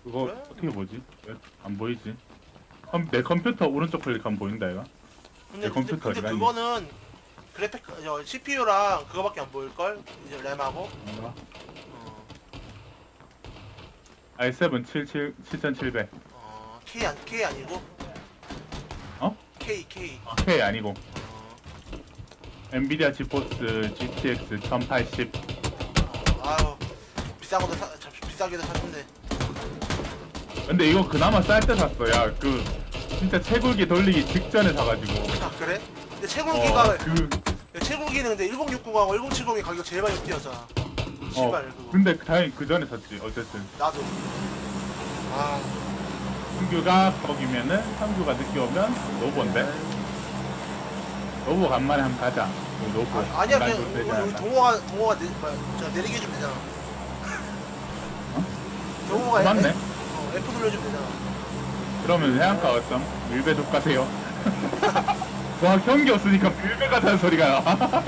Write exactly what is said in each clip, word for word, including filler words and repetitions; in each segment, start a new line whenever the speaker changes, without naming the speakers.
그거
그래?
어떻게 보지? 왜 안 보이지? 컴, 내 컴퓨터 오른쪽 클릭하면 보인다 이거?
근데,
내
근데,
컴퓨터
근데
어디가 있니?
그거는 그래픽 저 씨피유랑 그거밖에 안 보일걸? 이제 램하고.
뭔가?
어,
아이 세븐 칠칠 칠천칠백.
어 K 안 K 아니고
어?
K K.
K 아니고
어,
엔비디아 지포스 지티엑스 천팔십.
어, 아유 비싼 것도 사, 참, 비싸게도 샀는데.
근데 이거 그나마 쌀 때 샀어. 야, 그 진짜 채굴기 돌리기 직전에 사가지고.
아 그래? 근데 채굴기가
어, 그,
채굴기는 근데 천육십하고 천칠십이 가격 제일 많이 뛰었잖아.
어,
씨발 그거.
근데 다행히 그 전에 샀지. 어쨌든
나도. 아
성규가 거기면은 성규가 늦게 오면 노보인데. 노보 간만에 한번 가자. 그 노보.
아, 아니야
간만에
그냥
좀 되지
우리, 우리
않나?
동호가 동호가 내, 뭐야, 저 내리게 해주면 되잖아. 동호가
맞네.
F, 어, F 눌러주면 되잖아.
그러면 해안가 어쩜? 밀배 족 가세요. 와, 경기 없으니까 밀배 가자는 소리가 나.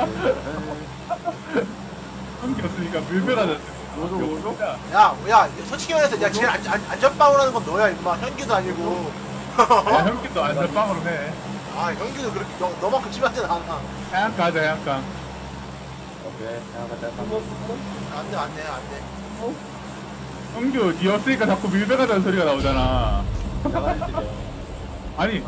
경기 없으니까 밀배 가자는
뭐죠, 뭐죠?
소리가.
야, 야, 솔직히 말해서 야, 제일 안, 안, 안전빵을 하는 건 너야, 임마. 현기도 아니고.
야, 형기도 안전빵으로 해.
아, 현기도 그렇게 너, 너만큼 심하진 않아.
해안가 하자, 해안가.
오케이. 야, 가자.
안 돼, 안 돼, 안 돼.
형규, 니 없으니까 자꾸 밀배 가자는 소리가 나오잖아. 아니.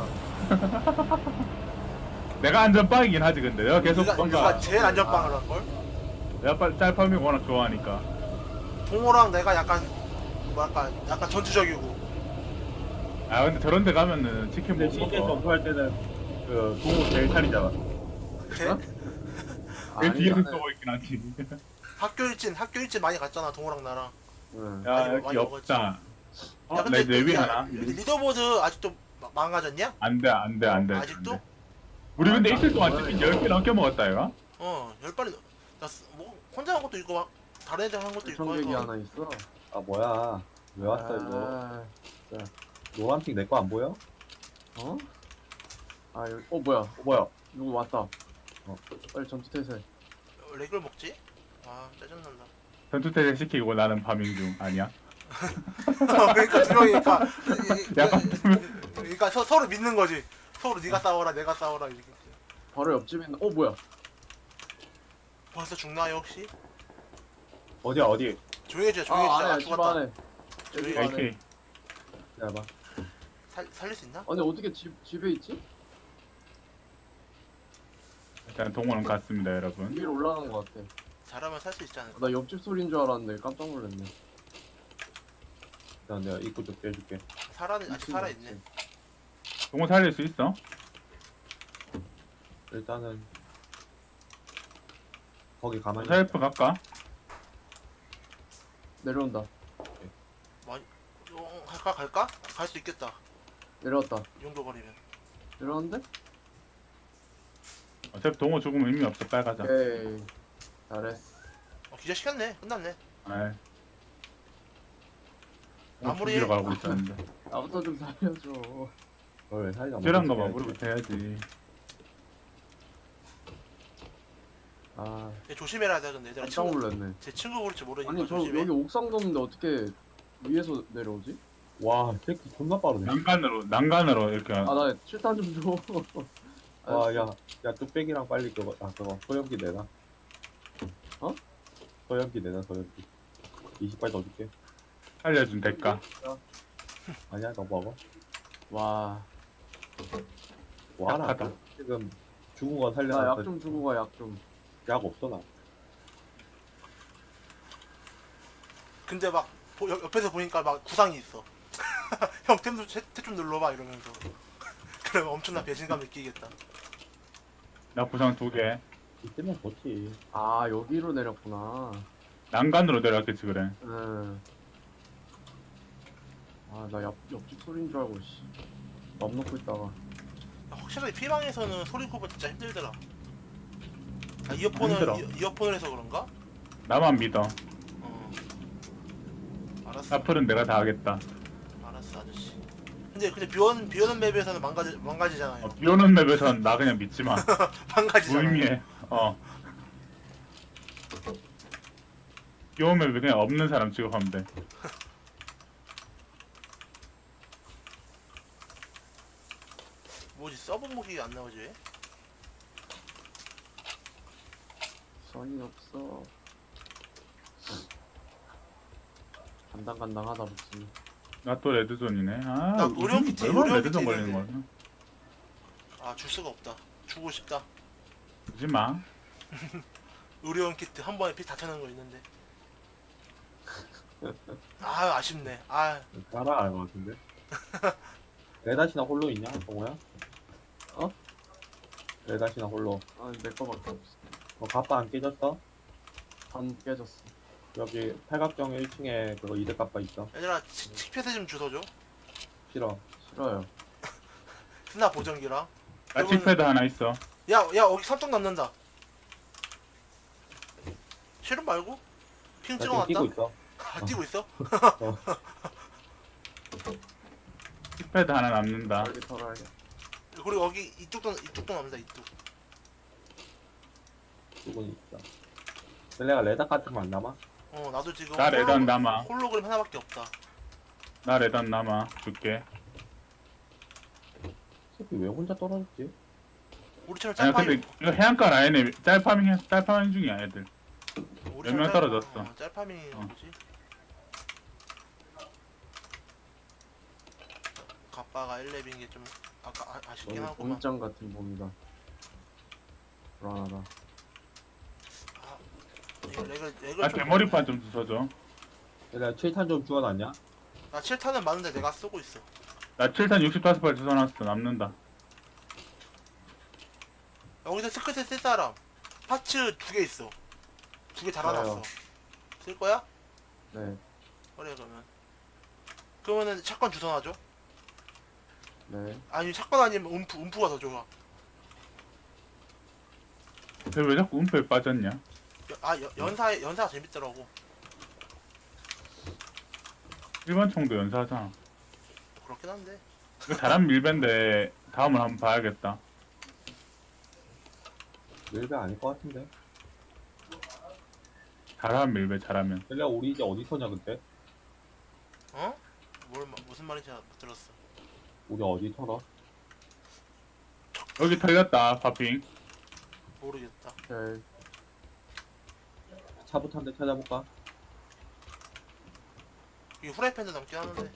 내가 안전빵이긴 하지, 근데. 내가 계속
네가,
뭔가.
네가 제일 안전빵을 할걸?
내가 빨리 짤파밍 워낙 좋아하니까.
동호랑 내가 약간, 뭐랄까, 약간 전투적이고.
아, 근데 저런 데 가면은 치킨
근데
못
치킨
먹어.
점프할 때는 그 동호 제일 탈이잖아.
그래?
내
아니,
뒤에서
나는-
쏘고 있긴 하지.
학교 일진, 학교 일진 많이 갔잖아, 동호랑 나랑.
응.
야,
많이
여기
많이
없다. 어,
야, 근데
내 내위
야,
하나?
리더보드 아직도 마- 망가졌냐?
안 돼, 안 돼, 안 돼.
아직도?
안 돼. 우리 근데
아,
이틀 동안
나는
치킨 열 개 넘게 먹었다, 이거?
어, 열 발이, 나, 쓰- 뭐, 혼자 한 것도 있고, 막, 다른 애들 한 것도 있고.
청객이
해서.
하나 있어.
아 뭐야 왜 왔어 이거
아,
노란핑 내 거 안 보여?
어? 아, 여기, 어, 뭐야.
어 뭐야
누구 왔다. 어, 빨리 전투 태세.
렉을 먹지? 아, 짜증난다.
전투태세 시키고 나는 파밍 중. 아니야?
그러니까 두 명이니까
약간
그러니까 서, 서로 믿는 거지. 서로 네가 싸워라 내가 싸워라 이렇게.
바로 옆집에 있는, 어, 뭐야.
벌써 죽나요 혹시?
어디야 어디
조용히 해줘 조용히
아,
해줘. 아,
안에, 집
죽었다.
안에.
조용히
집
해.
안에.
에이케이.
기다려봐
살, 살릴 수 있나?
아니, 어떻게 집, 집에 있지?
일단 동원은 갔습니다, 여러분.
위로 올라가는 것 같아.
잘하면 살 수 있지 않을까?
나 옆집 소리인 줄 알았는데 깜짝 놀랐네.
일단 내가 입구 좀 빼줄게
살아 아직
미친
살아
것
있네.
같지.
동원 살릴 수 있어?
일단은 거기 가만히
셀프 갈까?
내려온다.
어, 갈까 갈까? 갈 수 있겠다.
내려왔다.
이 정도 거리면.
내려왔는데?
어차피 동원 죽으면 의미 없어, 빨리 가자.
오케이. 잘했어.
어, 기절 시켰네. 끝났네.
아이.
아무리-
죽이러 가고 있었는데.
나부터 좀 살려줘.
뭘 사이가
찌란 거
먹어줘야지.
마무리부터 해야지.
아,
얘 조심해라 돼 근데 얘들아.
깜짝
친구
놀랐네.
제 친구 볼지 모르니까
아니, 저
조심해.
여기 옥상도 없는데 어떻게 위에서 내려오지?
와 새끼 존나 빠르네
난간으로, 난간으로 이렇게.
아, 나 칠탄 좀 줘.
와야야 뚝배기랑 빨리 그거 아 그거 소염기 내놔
어?
소염기 내놔 소염기 이십 발 더 줄게
살려준 대가.
아니야 너 먹어
와,
와라
약하다.
지금 죽은 거
나
살려놔
약 좀 주고 가, 약 좀.
약 없어 나
근데 막 보- 옆, 옆에서 보니까 막 구상이 있어. 형 템 좀 눌러봐 이러면서. 그러면 엄청난 배신감 느끼겠다.
나 부상 두 개.
이때면 좋지
아, 여기로 내렸구나.
난간으로 내려왔겠지, 그래.
응. 아, 나 옆, 옆집 소리인 줄 알고, 씨. 맘 놓고 있다가.
야, 확실히 피방에서는 소리 구분 진짜 힘들더라. 아, 이어폰을
힘들어.
이, 이어폰을 해서 그런가?
나만 믿어.
어. 알았어.
앞으로는 내가 다 하겠다.
알았어 아저씨. 근데 근데 비오는 비오는 맵에서는 망가지 망가지잖아요.
어, 비 오는 맵에선 나 그냥 믿지 마.
망가지잖아.
무의미해. 어. 비 오는 맵에 그냥 없는 사람 취급하면 돼.
서브 무기 안 나오지 왜?
선이 없어. 간당간당하다 보지.
나 또 레드존이네. 아,
나
요즘
의료용 키트,
얼마나
의료용
레드존
키트
걸리는
있는데.
거야?
아 줄 수가 없다. 주고 싶다.
주지 마.
의료용 키트 한 번에 피 다 차는 거 있는데. 아 아쉽네. 아
따라 알것 같은데. 레다시나 홀로 있냐, 동호야?
어?
레다시나 홀로.
아니 내 거밖에 없어.
어, 갑바 안 깨졌어?
반 깨졌어.
여기 팔각정 일 층에 그거 이대 갑바 있어.
얘들아 치- 칙패스 좀 주워줘.
싫어.
싫어요.
스나 보정기랑.
나
그러면은-
칙패드 하나 있어.
야야 여기 삼성 남는다. 실은 말고? 핑
나 지금
찍어놨다.
뛰고 있어.
아 뛰고 있어?
어.
칙패드 하나 남는다.
여기 털어야겠다.
그리고 여기 이쪽도 이쪽도 남는다 이쪽.
뛰고 있어. 셀레가 레다 같은 거 안 남아?
어 나도 지금
나 레단
홀로-
남아.
홀로그램 하나밖에 없다.
나 레단 남아. 줄게.
새끼 왜 혼자 떨어졌지?
우리처럼
아니
짤파밍
근데 이거 해안가 라인에 짤파밍 해- 짤파밍 중이야 애들.
우리처럼
명
짤-
떨어졌어.
어, 짤파밍이
어.
뭐지? 갑바가 일 렙인 게 좀 아까 아, 아쉽긴
너무
하구만.
공장 같은 봄이다. 불안하다.
아, 이거 렉을 렉을
나
좀
대머리판 좀 주워줘.
셀레가 칠 탄 좀 주워놨냐?
나 칠 탄은 많은데 내가 쓰고 있어.
나 칠 탄 육십오 발 주워놨어. 남는다.
여기서 스크세 쓸 사람 파츠 두 개 있어. 두 개 달아놨어.
좋아요.
쓸 거야?
네.
그래 그러면. 그러면은 샷건 주선하죠?
네.
아니 샷건 아니면 움프 움프가 더 좋아.
근데 왜 자꾸 은폐에 빠졌냐?
여- 아 여, 연사 연사가 재밌더라고.
일반 총도 연사하잖아.
그렇긴 한데.
이거 잘한 밀배인데 다음을 한번 봐야겠다.
밀배 아닐 것 같은데.
잘하면 밀배 잘하면.
셀레가 우리 이제 어디 서냐 그때?
어? 뭘 마- 무슨 말인지 못 들었어.
우리 어디 털어?
여기 털렸다 파핑.
모르겠다.
오케이.
차부터 한 대 찾아볼까?
이 후라이팬도 남긴 하는데.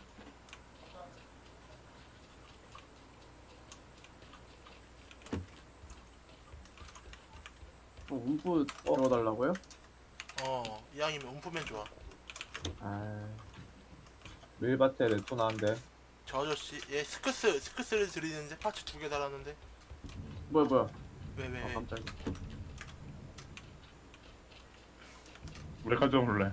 어, 움프 들어달라고요?
어 이왕이면 움프면 좋아.
아,
밀밭에 레토나 한 대.
저 아저씨 얘 스크스 스크스를 들이는데 파츠 두 개 달았는데
뭐야 뭐야?
왜 왜
아
왜?
깜짝이야.
우리 가져올래.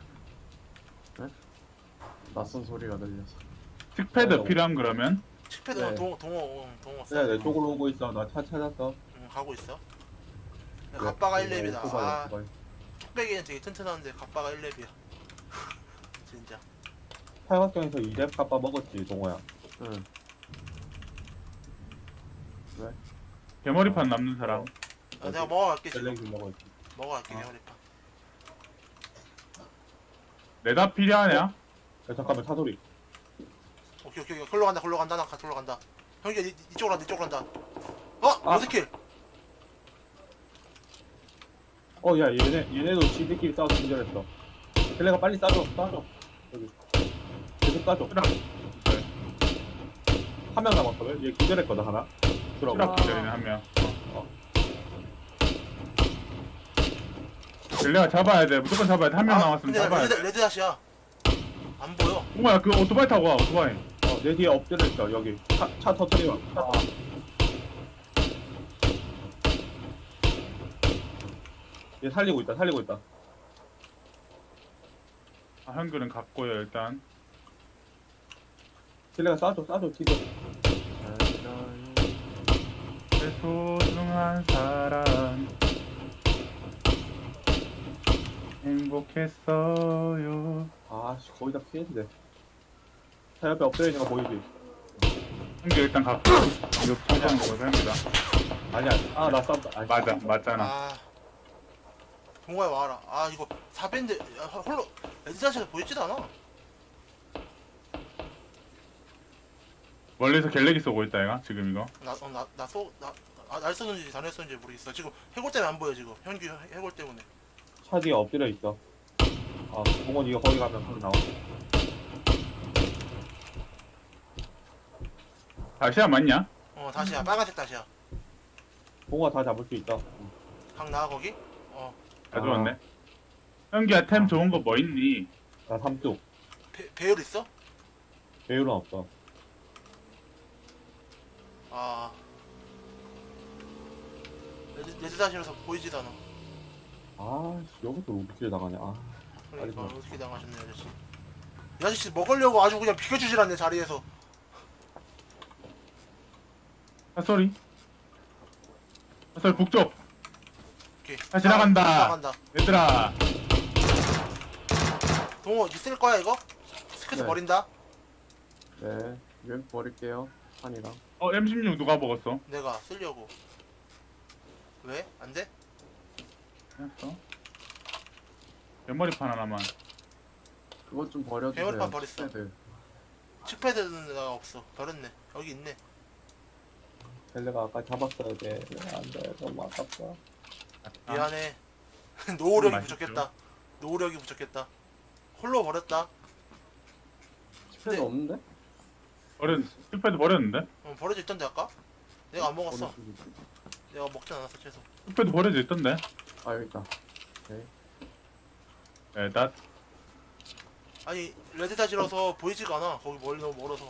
낯선 소리가 들려서.
틱패드
어.
필요한 그러면?
칙패드
네.
동호 동호 응, 동호 써.
셀레 내 쪽으로 오고 있어. 나 차 찾았어.
응, 가고 있어. 갑바가 일 렙이다.
오토바이,
아
오토바이.
뚝배기는 되게 튼튼한데 갑바가 일 렙이야. 진짜.
팔각정에서 이 렙 갑바 먹었지, 동호야.
응.
대머리판 남는 사람.
아, 내가 먹어갈게 지금.
셀렉이 먹었지.
먹어갈게
어.
대머리파.
레다 필요하냐?
야, 잠깐만, 차소리.
오케이 오케이 오케이. 걸로 간다 걸로 간다 나 걸로 간다. 형이 이, 이쪽으로 간다 이쪽으로 간다. 어
아.
로드킬.
어, 야, 얘네, 얘네도 지들끼리 싸워서 기절했어. 셀레가 빨리 싸줘, 싸줘. 여기. 계속 싸줘. 한 명 남았거든? 얘 기절했거든, 하나. 들어봐.
추락 기절이네 한 명.
어.
rel레가 잡아야 돼. 무조건 잡아야 돼. 한 명 남았으면
근데
잡아야
레드
돼.
레드 다시야. 안 보여.
뭐야 그 오토바이 타고 와 오토바이.
어, 내 뒤에 엎드려 있어, 여기. 차, 차 터트려. 차
아.
얘 살리고 있다, 살리고 있다.
아, 한글은 갔고요 일단.
셀레가 싸줘, 싸줘, 지금.
내 소중한 사람 행복했어요.
아씨, 거의 다 피했는데. 차 옆에 엎드려 있는 거 보이지?
한글 일단 갔고. 이거 천천히 먹어서 합니다.
아니야, 아, 나 싸웠다. 아이씨.
맞아 맞잖아.
아 동호회 와라. 아 이거 사밴드 야, 홀로 레드 다시가 보이지도 않아.
멀리서 갤레기 쏘고 있다 얘가 지금 이거.
나나나쏘나날 쏘는지 자네 쏘는지 모르겠어. 지금 해골 때문에 안 보여 지금. 현규 해- 해골 때문에.
차 뒤에 엎드려 있어. 아, 공원 이거 거기 가면 방 나와.
다시야 맞냐?
어 다시야 빨간색 다시야.
공원 다 잡을 수 있다. 응.
강 나와 거기? 어
다
아.
좋았네. 현기야 템 좋은 거 뭐 있니?
나 삼뚝.
배, 배율 있어?
배율은 없어.
아 레드, 레드 다시라서 보이지도 않아.
아, 씨, 여기서 로비킬 당하냐. 아,
그러니까
알겠어.
어떻게 당하셨네 이 아저씨. 이 아저씨 먹으려고 아주 그냥 비켜주질 않네 자리에서.
핫소리. 핫소리 북쪽.
오케이.
아, 지나간다.
지나간다.
얘들아.
동호 있을 거야 이거? 스크스
네.
버린다.
네, 유엠 버릴게요. 판이랑.
어 엠 십육 누가 먹었어?
내가 쓰려고. 왜? 안 돼?
했어. 옆머리판 하나만.
그것 좀 버려주세요.
배열판 버렸어.
칩패드.
칩패드는 내가 없어. 버렸네. 여기 있네.
벨레가 아까 잡았어야 돼. 안 돼. 너무 아깝다.
아,
미안해. 노후력이
맛있죠.
부족했다. 노후력이 부족했다. 홀로 버렸다.
칩패드
네.
없는데?
버렸. 스패드 버렸는데?
어, 버려져 있던데 아까? 내가 안 먹었어.
어디 쪽이지?
내가 먹진 않았어 채소.
스패드 버려져 있던데?
아, 여기 있다.
네, 나
아니 레드다지라서 보이지가 않아. 거기 멀리 너무 멀어서.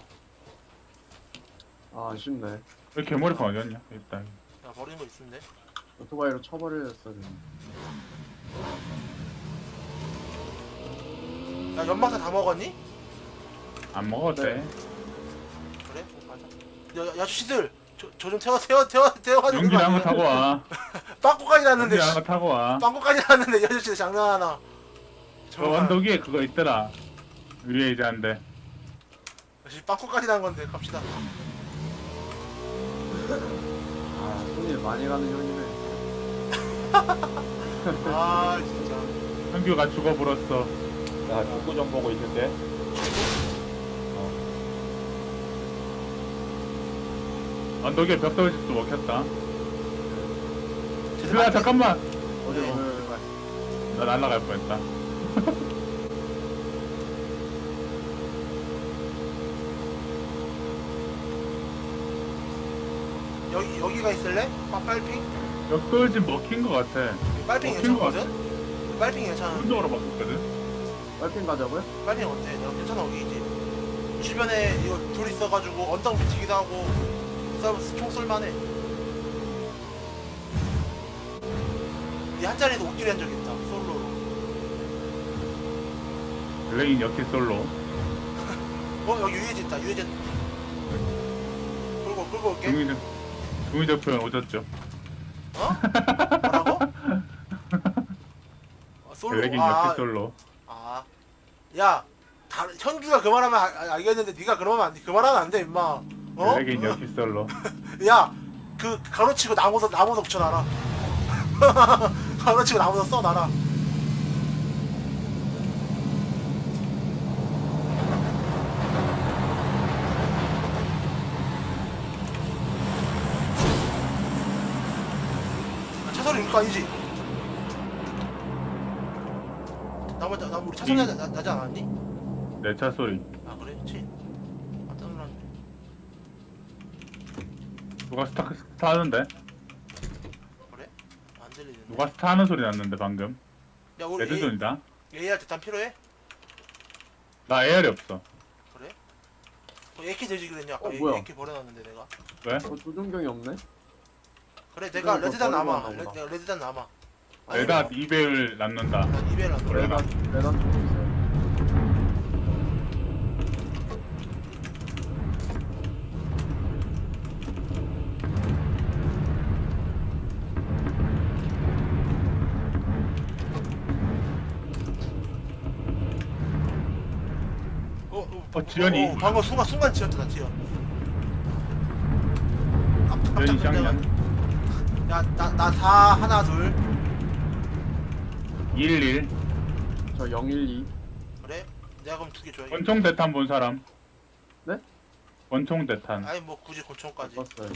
아, 아쉽네.
왜 개머리판 어디였냐? 일단.
야 버리는 거 있는데.
오토바이로 쳐버렸어야 되는데.
야 연막사 다 먹었니?
안 먹었대.
네.
그래? 어, 맞아. 야, 야, 야 아저씨들 저 저 좀 태워 태워 태워 태워가지고.
용기를 한거 타고 와.
빵꾸까지 났는데.
용기를 한거 타고 와.
빵꾸까지 났는데 이 아저씨들 장난하나.
저 언덕 위에 그거 있더라. 위에 이제 안 돼.
역시 빵꾸까지 난 건데 갑시다.
아, 손이 많이 가는 형이네.
아 진짜.
현규가 죽어버렸어.
나 축구 좀 보고 있는데.
언덕 위에 벽돌집도 먹혔다.
쟤들
그야
많이-
잠깐만.
어디,
네.
어디,
나 날라갈 뻔했다.
여기 여기가 있을래? 빠 빨핑?
벽돌집 먹힌 거 같아.
빨핑
먹힌 거
괜찮거든? 빨핑 괜찮아.
오른쪽으로 바꿨거든.
빨핀 가자고요?
빨핑 어때? 내가 괜찮아 여기지. 주변에 이거 둘 있어가지고 언덕 미치기도 하고 싸움 총 쏠만해. 이 한 자리에서 옥길이 한 적 있다. 솔로로.
블레인 역시 솔로.
어 여기 유해지 있다. 유해지. 끌고 끌고 올게.
중의적, 중의적 표현 오졌죠.
어? 뭐라고? 아, 솔로.
블레인
아,
역시 솔로.
아, 야, 다, 현규가 그 말하면 아- 알겠는데 네가 그러면 안 돼. 그 말하면 안 돼, 임마. 어?
블레인 역시 솔로.
야, 그 가로치고 나무도 나무도 붙여놔라. 가로치고 나무도 써놔라. 아, 차 소리 이거 아니지? 나무 나 우리 차 소리 나, 나, 나지 않았니?
내 차 소리.
아 그래? 그치? 깜짝 놀랐네.
누가 스타, 스타 하는데?
그래? 안 들리는데.
누가 스타 하는 소리 났는데 방금.
야 우리 A,
레드존이다.
에이알 대탄 필요해?
나 에어리 없어.
그래? 어, 에이케이 들지 그랬냐? 아까
어, 뭐야?
에이케이 버려놨는데 내가.
왜?
어, 조준경이 없네?
그래 내가
이거
레드단
버리고
남아.
왔나
레,
보다.
내가 레드단 남아.
레다 이 배율 남는다.
난 이베일 안
그래.
돌아.
레단, 레단 좀 주세요.
어, 어,
어, 지연이.
어, 방금 순간 순간 지었다 나 지연. 깜짝
지연이
깜짝
쌍년.
놀래가지고. 야, 나, 나 사, 하나, 둘.
일일.
저 영일이.
그래? 내가 그럼 두 개 줘야겠다.
권총 대탄 본 사람. 권총 대탄.
아니 뭐 굳이 권총까지.
봤어요.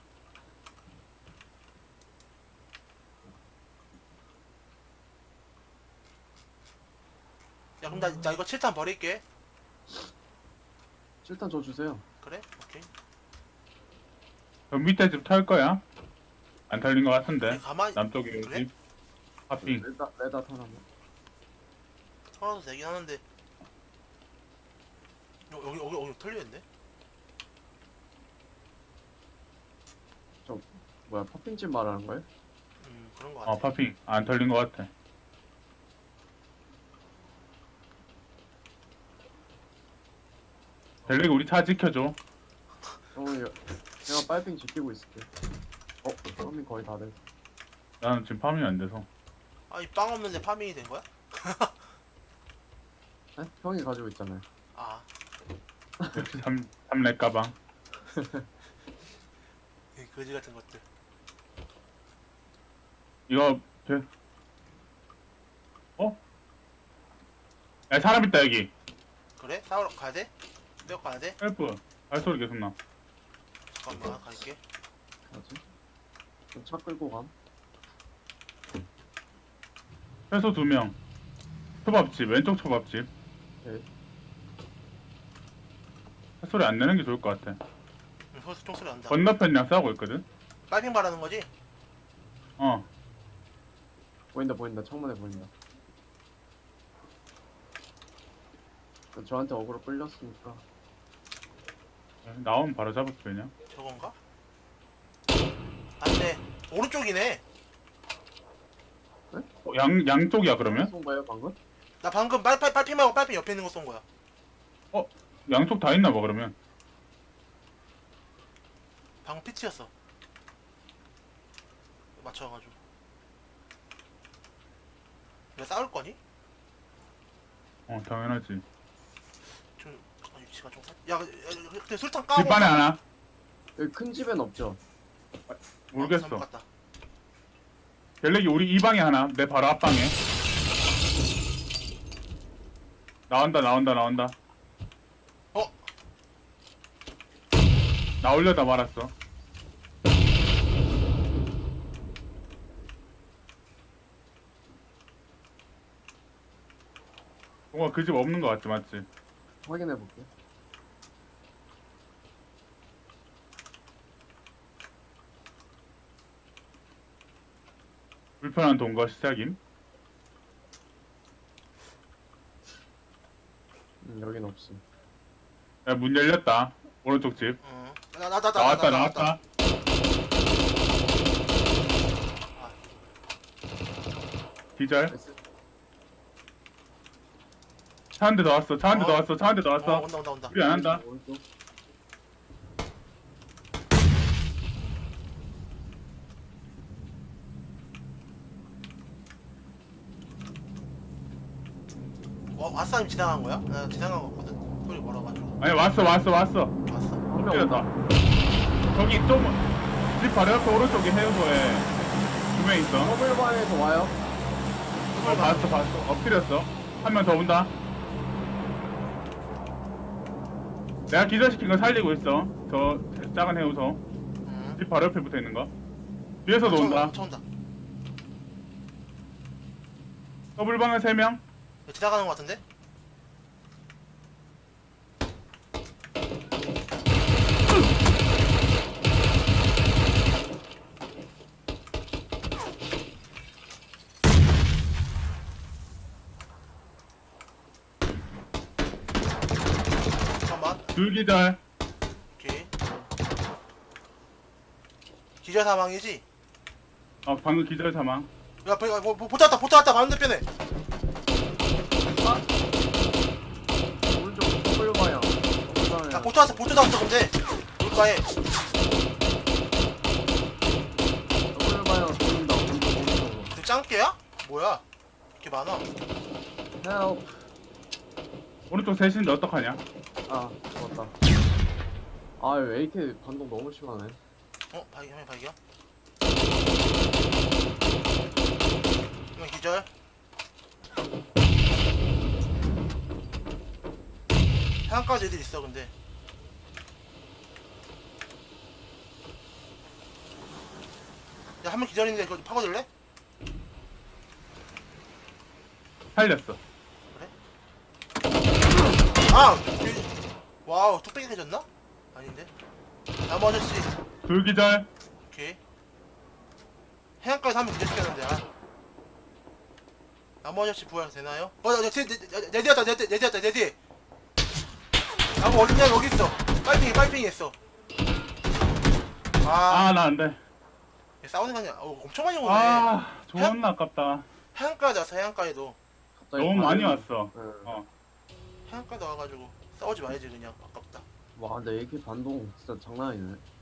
야 그럼 나, 나 이거 칠 탄 버릴게.
칠탄 줘 주세요.
그래? 오케이.
저 밑에 집 털 거야? 안 털린 거 같은데.
가만히
남쪽에
그래?
집. 파핑.
레다 레다 하나만.
털어도 되긴 하는데. 여- 여기 여기 여기 털려있네.
뭐야 퍼핑집 말하는 거예요?
음 그런 거 같아.
어, 파핑. 안 털린 거 같아. 델릭 우리 차 지켜줘.
어, 여, 제가 빨핑 지키고 있을게. 어, 파밍 거의 다 됐어.
나는 지금 파밍이 안 돼서.
아니 빵 없는데 파밍이 된 거야?
네? 형이 가지고 있잖아요.
아
역시 삼, 삼렙 가방.
이 거지 같은 것들.
이거, 배... 어? 야, 사람 있다, 여기.
그래? 싸우러 가야 돼? 몇 가야 돼?
헬프. 발소리 계속 나.
잠깐만 갈게.
뭐지? 그럼 차 끌고 감.
최소 두 명. 초밥집, 왼쪽 초밥집.
오케이.
소리 안 내는 게 좋을 것 같아.
응, 벌써 총소리 난다.
건너편이랑 싸우고 있거든?
빨핑 바라는 거지?
어.
보인다 보인다 창문에 보인다. 저한테 어그로 끌렸으니까.
나오면 바로 잡았어, 그냥.
저건가? 안돼. 오른쪽이네.
어, 양, 양쪽이야, 그러면?
쏜 거예요 방금?
나 방금 빨, 빨, 빨핑 말고 빨핑 옆에 있는 거 쏜 거야.
양쪽 다 있나 봐, 그러면.
방금 피치였어. 맞춰가지고. 왜 싸울 거니?
어, 당연하지.
좀 아, 위치가 좀 살. 야, 야, 근데 술탄 까고.
집 안에 하나?
여기 큰 집엔 없죠?
모르겠어.
잘못 갔다.
갤렉이 우리 이 방에 하나, 내 바로 앞방에. 나온다, 나온다, 나온다.
어?
나오려다 말았어. 뭔가 그 집 없는 거 같지, 맞지?
확인해 볼게.
불편한 동거 시작임.
음, 여긴 없음.
야, 문 열렸다. 오른쪽 집.
응. 나, 나, 나, 나,
나왔다,
나, 나,
나왔다. 기절.
S-
차 한 대 더 왔어, 차 한 대 더
어.
왔어, 차 한 대 더
어,
왔어.
온다, 온다, 온다.
우리 안 한다.
오른쪽.
어, 아싸님 지나간 거야? 나 지나간 거 같거든. 소리 멀어가지고.
아니, 왔어, 왔어, 왔어.
왔어?
한명
엎드렸다.
온다.
저기 좀, 집 바로 옆에 오른쪽에 해우소에 두 명 있어.
더블바에서 와요.
어, 봤어, 봤어. 엎드렸어. 한 명 더 온다. 내가 기절시킨 거 살리고 있어. 저 작은 해우소.
응.
집 바로 옆에 붙어 있는 거. 뒤에서도
쳐,
온다.
쳐 온다.
더블방에 세 명.
야, 지나가는 거 같은데? 잠깐만.
둘 기절.
오케이. 기절 사망이지?
어, 방금 기절 사망.
야, 보, 보, 보, 보트 왔다, 보트 왔다, 반대편에.
오른쪽 더블바야. 더블바야.
야, 보트 왔어, 보트 나왔어, 근데. 물가에.
더블바야 보인다. 오른쪽 오른쪽으로.
그 짱깨야? 뭐야? 이렇게 많아.
헬프.
오른쪽 셋인데 어떡하냐?
아 죽었다. 아 에이케이 반동 너무 심하네.
어? 발견, 화면 발견. 이건 기절. 해안까지 애들 있어, 근데. 야, 한 명 기다리는데 그거 파고들래?
살렸어.
아! 이- 와우, 뚝배기 해졌나? 아닌데? 나무 아저씨.
둘 기절.
오케이. 해안가에서 한 명 기다리겠는데, 아. 나무 아저씨 부활 되나요? 어, 야, 내, 내, 내, 내 뒤였다, 내, 뒤- 내 뒤였다, 내 뒤에. 나무 어딨냐, 여기 있어. 빨핑이, 빨핑이 했어. 아,
아, 나 안 돼.
얘 싸우는 거 아니야? 어, 엄청 많이 오네.
아, 존나 아깝다.
해안가에 왔어, 해안가에도.
갑자기
너무 많이
다들-
왔어.
예.
어.
해안가에 와가지고 싸우지 말지, 그냥. 아깝다.
와 근데 에이케이 반동 진짜 장난 아니네.